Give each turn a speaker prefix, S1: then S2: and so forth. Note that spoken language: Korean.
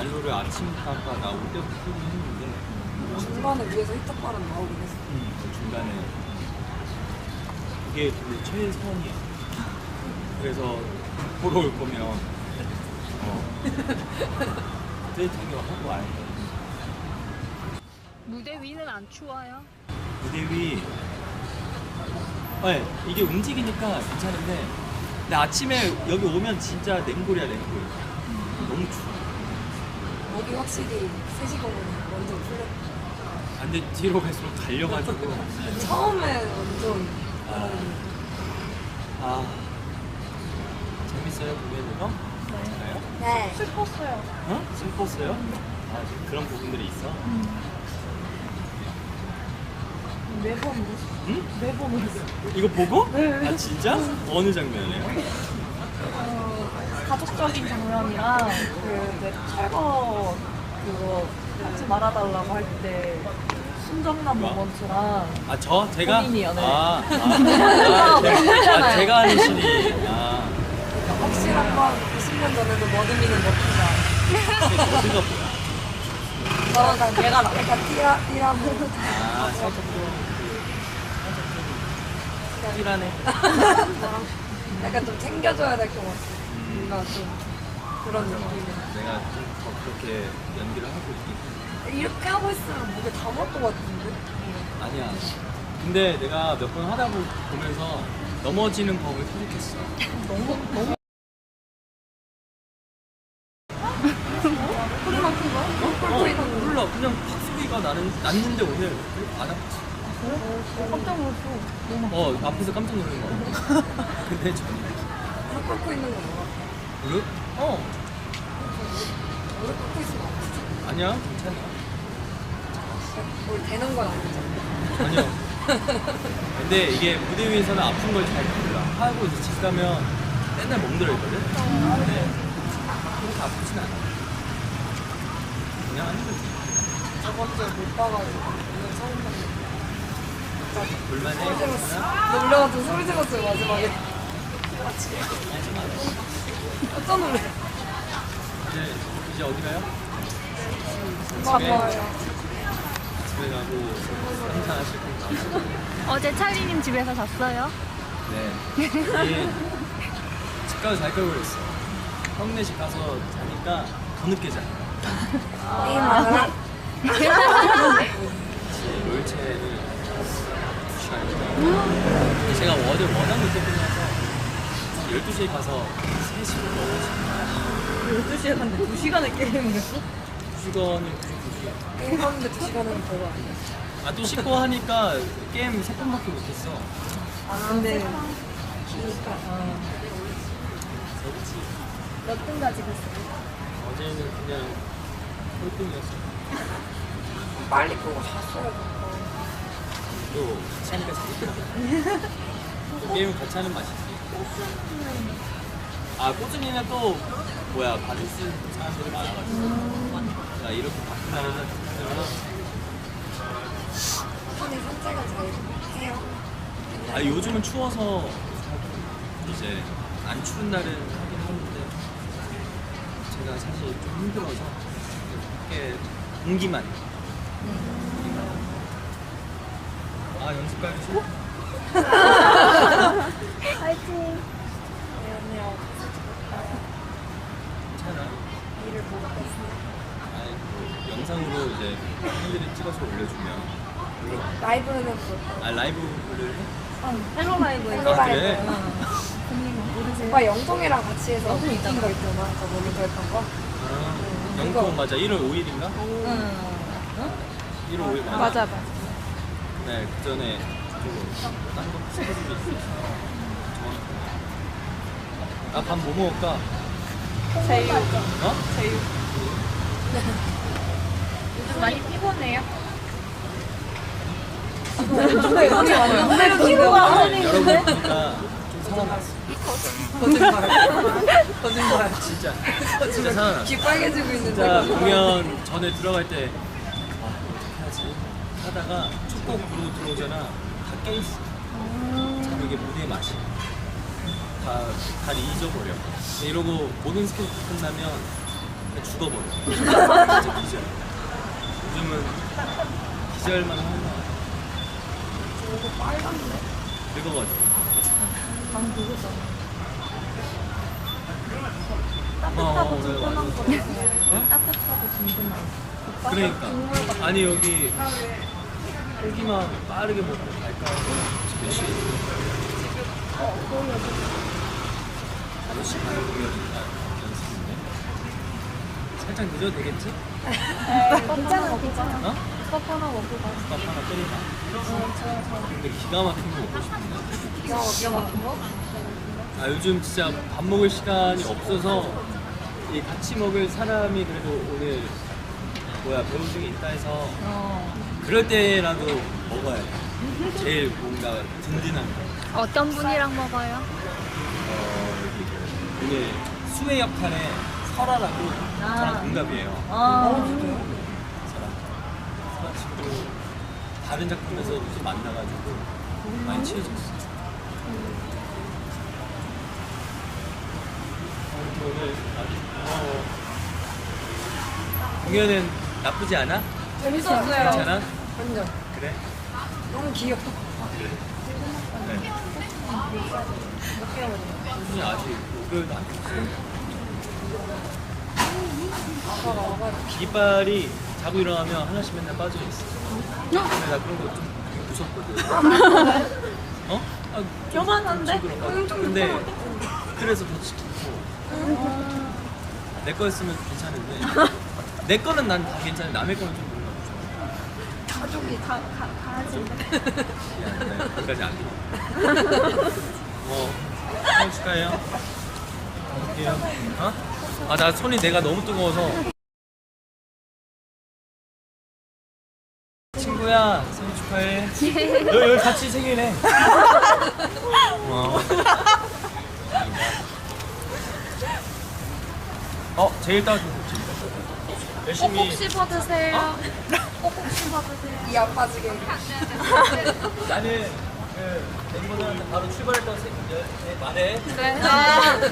S1: 난로를 아침까지 나올 때부터 끄긴 했는데
S2: 중간에 위에서 히터바람 나오긴 했어.
S1: 그 중간에 그게 그 최선이야. 그래서 보러 올 거면 데이트하기 하고 와야 돼.
S3: 무대 위는 안 추워요?
S1: 무대 위 네, 이게 움직이니까 괜찮은데 근데 아침에 여기 오면 진짜 냉골이야 냉골. 너무 추워.
S2: 여기 확실히 3시 공은 완전 풀렸다.
S1: 아, 근데 뒤로 갈수록 달려가지고
S2: 처음에 완전
S1: 재밌어요 공연이요? 괜찮아요?
S2: 네.
S3: 슬펐어요.
S1: 어? 슬펐어요? 아 그런 부분들이 있어?
S3: 매번 울었어.
S1: 응?
S3: 매번 울었어.
S1: 이거 보고? 네. 아 진짜? 어느 장면이에요?
S3: 가족적인 장면이랑 그 이제 철거 그거 하지 말아달라고 할 때 순정남
S1: 뭐야?
S3: 모먼트랑
S1: 아 저? 제가?
S3: 본인이요, 네.
S1: 제가 하는 신이
S2: 확실한 건 20년 전에도 머드미는 먹히다.
S1: 그게 뭐야?
S2: 저랑 얘가 약간 띠라무.
S1: 살짝 좀 띠라네.
S2: 약간 좀 챙겨줘야 될 것 같아. 뭔가 좀 그런 느낌이.
S1: 내가 좀 더 그렇게 연기를 하고 있긴 해.
S2: 이렇게 하고 있으면 목에 다 물 것 같은데?
S1: 아니야. 근데 내가 몇 번 하다 보면서 넘어지는 법을 터득했어.
S2: 너무 소리만 큰 거야? 꿀꿀 있는 거.
S1: 몰라. 그냥 팍 소리가 났는데 오늘 안 아팠어.
S3: 깜짝 놀랐어.
S1: 앞에서 깜짝 놀란 거. 근데 전혀.
S2: 무릎 꿇고 있는 거 뭐야?
S1: 무릎?
S2: 무릎 꿇고 있으면 아프지?
S1: 아니야. 괜찮아.
S2: 뭘 되는 건 아니잖아.
S1: 전혀. 근데 이게 무대 위에서는 아픈 걸 잘 몰라. 하고 이제 집 가면 맨날 멍들어 있거든? 근데 그렇게 아프진 않아. 그냥 하는 거지.
S2: 저번 주에 못 봐가지고 오늘 처음 봤는데
S1: 볼만해.
S2: 소리 질렀어. 놀래가지고 소리 질렀어요 마지막에.
S1: 하지 마.
S2: 깜짝 놀래.
S1: 이제 어디 가요?
S2: 고마워요.
S1: 집에 가고 한잔하실 건가?
S3: 어제 찰리님 집에서 잤어요?
S1: 네. 이게 집 가서 잘 걸 그랬어. 형네 집 가서 자니까 더 늦게 자.
S2: 게임하느라?
S1: 롤체를 2시간이나. 제가 어제 워낙 늦게 끝나서 12시에 가서 3시로 넘어지.
S3: 12시에 갔는데 2시간을 게임을 했어?
S1: 2시간이
S2: 게임하는데 2시간은 별로 아니야.
S1: 또 씻고 하니까 게임 3판밖에 못했어.
S3: 근데
S2: 기니까.
S1: 그렇지.
S3: 몇 등까지 갔어?
S1: 어제는 그냥 꼴등이었어.
S2: 빨리 끄고 잤어야 돼.
S1: 또 같이 하니까 재밌더라. 또 게임을 같이 하는 맛이지. 꼬준이는 또 뭐야 받을 수 있는 사람들이 많아가지고 나 이렇게 바쁜 날에는
S2: 손이 산책을 잘 해요.
S1: 요즘은 추워서 이제 안 추운 날은 하긴 하는데 제가 사실 좀 힘들어서 이렇게 공기만 연습 가기 싫어?
S3: 파이팅!
S2: 미안해요.
S1: 괜찮아.
S2: 일을 못 했어요.
S1: 영상으로 이제 팬들이 찍어서 올려주면 물론
S2: 라이브는 그렇고.
S1: 라이브를 해?
S3: 헬로 라이브에
S2: 헬로
S1: 그래?
S2: 라이브. 오빠 영통이랑 같이 해서 웃긴 거 있잖아. 저 모니터 했던 거.
S1: 영통 맞아. 1월 5일인가?
S3: 응.
S1: 1월 5일
S3: 맞아.
S1: 네, 그 전에 딴거 스케줄이 있어서 밥 뭐 먹을까?
S3: 제육.
S1: 어?
S3: 제육. 요즘 많이 피곤해요?
S2: 근데 여기 완전
S3: 피부가
S1: 여러분 보니까 좀 살아났어.
S2: 거짓말.
S1: 진짜 살아났어.
S2: 귀 빨개지고 있는데.
S1: 진짜 공연 전에 들어갈 때 어떻게 하지? 하다가 첫 곡 부르고 들어오잖아. 다 깨있어. 참 이게 무대의 맛이. 다 잊어버려. 이러고 모든 스케줄 끝나면 그냥 죽어버려. 진짜 기절. 요즘은 기절만 하는 거야.
S2: 저거 빨간데?
S1: 늙어가지고.
S3: 방 그거죠.
S1: 따뜻하고
S3: 든든한 거.
S1: 어?
S3: 따뜻하고 든든한 거.
S1: 그러니까. 아니 여기 고기만 빠르게 먹고 갈까 하고 몇 시?
S3: 거의 여기.
S1: 5시 반에 공연인가 연습인데 살짝 늦어도 되겠지?
S3: 괜찮아, 괜찮아.
S1: 어?
S3: 컵 하나 먹고 가.
S1: 밥 하나 끓이나? 근데 기가 막힌 거 먹고 싶은데
S2: 기가 막힌 거?
S1: 아 요즘 진짜 밥 먹을 시간이 없어서 이 같이 먹을 사람이 그래도 오늘 뭐야 배우 중에 있다 해서 그럴 때라도 먹어야 돼. 제일 뭔가 든든한 거.
S3: 어떤 분이랑 먹어요?
S1: 여기 오늘 수혜 역할의 설아라고 저랑 동갑이에요. 설아. 설아 친구 다른 작품에서도 좀 만나가지고 많이 친해졌어. 오늘 공연은 나쁘지 않아?
S2: 재밌었어요.
S1: 괜찮아?
S2: 완전.
S1: 그래?
S2: 너무 귀여워.
S1: 네. 수준이 아직 5개월도 안 됐어. 깃발이 자고 일어나면 하나씩 맨날 빠져 있어. 근데 나 그런 거 좀 무섭거든. 어? 아,
S3: 요만한데?
S1: 근데 그래서 더 지키고 내 거였으면 괜찮은데 내 거는 난 다 괜찮은데 남의 거는 좀 몰라.
S2: 가족이
S3: 강아지인데.
S1: 미안해. 나 거기까지 안 돼. 생일 축하해요. 갈게요. 어? 아, 나 손이 내가 너무 뜨거워서. 친구야, 생일 축하해. 여기 같이 생일해. 제일 따뜻한 국지. 열심히.
S3: 꼭 씹어드세요. 꼭 씹어드세요.
S2: 이 아빠지게.
S1: 나는 그 멤버들한테 바로 출발했다고 말해.
S3: 네.